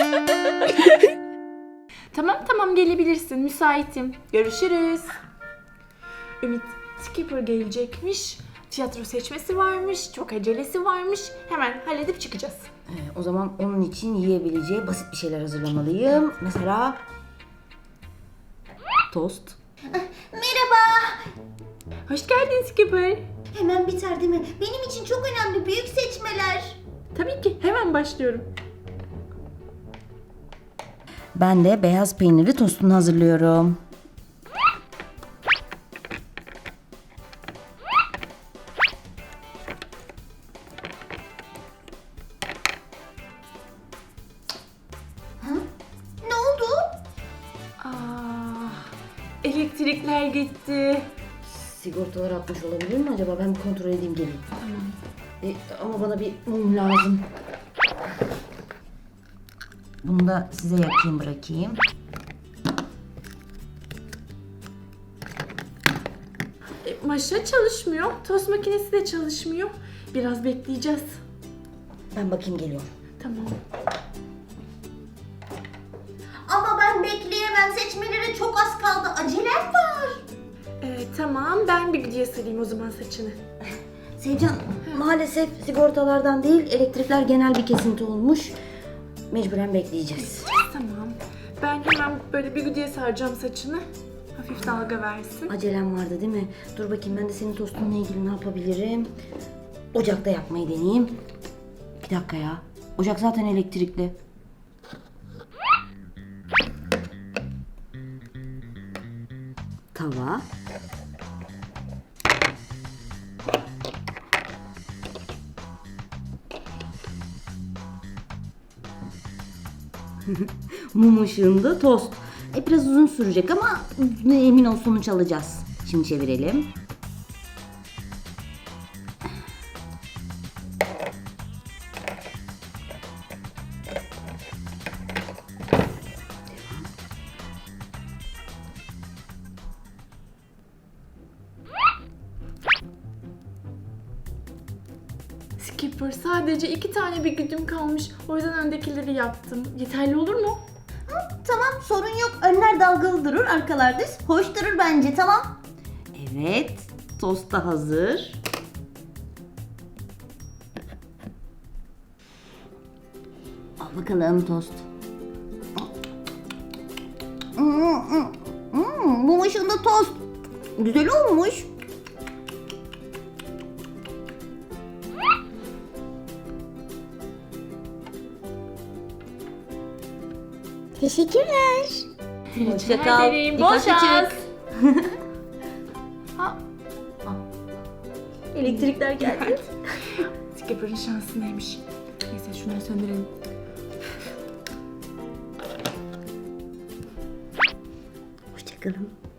Tamam gelebilirsin. Müsaitim. Görüşürüz. Ümit, Skipper gelecekmiş. Tiyatro seçmesi varmış. Çok acelesi varmış. Hemen halledip çıkacağız. O zaman onun için yiyebileceği basit bir şeyler hazırlamalıyım. Mesela tost. Merhaba. Hoş geldin Skipper. Hemen biter değil mi? Benim için çok önemli büyük seçmeler. Tabii ki. Hemen başlıyorum. Ben de beyaz peynirli tostunu hazırlıyorum. Ne oldu? Elektrikler gitti. Sigortalar atmış olabilir mi acaba? Ben bir kontrol edeyim geleyim. Ama bana bir mum lazım. Bunu da size yakayım bırakayım. Maşa çalışmıyor. Tost makinesi de çalışmıyor. Biraz bekleyeceğiz. Ben bakayım geliyorum. Tamam. Ama ben bekleyemem. Seçmelere çok az kaldı. Acelem var. Tamam. Ben bir güdüye sarayım o zaman saçını. Sevcan, maalesef sigortalardan değil, elektrikler genel bir kesinti olmuş. Mecburen bekleyeceğiz. Tamam. Ben hemen böyle bir güdüye saracağım saçını. Hafif dalga versin. Acelem vardı değil mi? Dur bakayım ben de senin tostunla ilgili ne yapabilirim? Ocakta yapmayı deneyeyim. Bir dakika ya. Ocak zaten elektrikli. Tava. Mum ışığında tost. Biraz uzun sürecek ama emin ol sonuç alacağız. Şimdi çevirelim. Skipper, sadece 2 tane bir güdüm kalmış. O yüzden öndekileri yaptım. Yeterli olur mu? Tamam sorun yok. Önler dalgalı durur, arkalar düz. Hoş durur bence, tamam. Evet, tost da hazır. Al bakalım tost. Mum ışığında tost. Güzel olmuş. Teşekkürler. Hoşça Rica kal. ederim. Bol Dikkatli şans. çık. Ha, Elektrikler geldi. Skipper'ın şansı neymiş? Neyse şunları söndürelim. Hoşça kalın.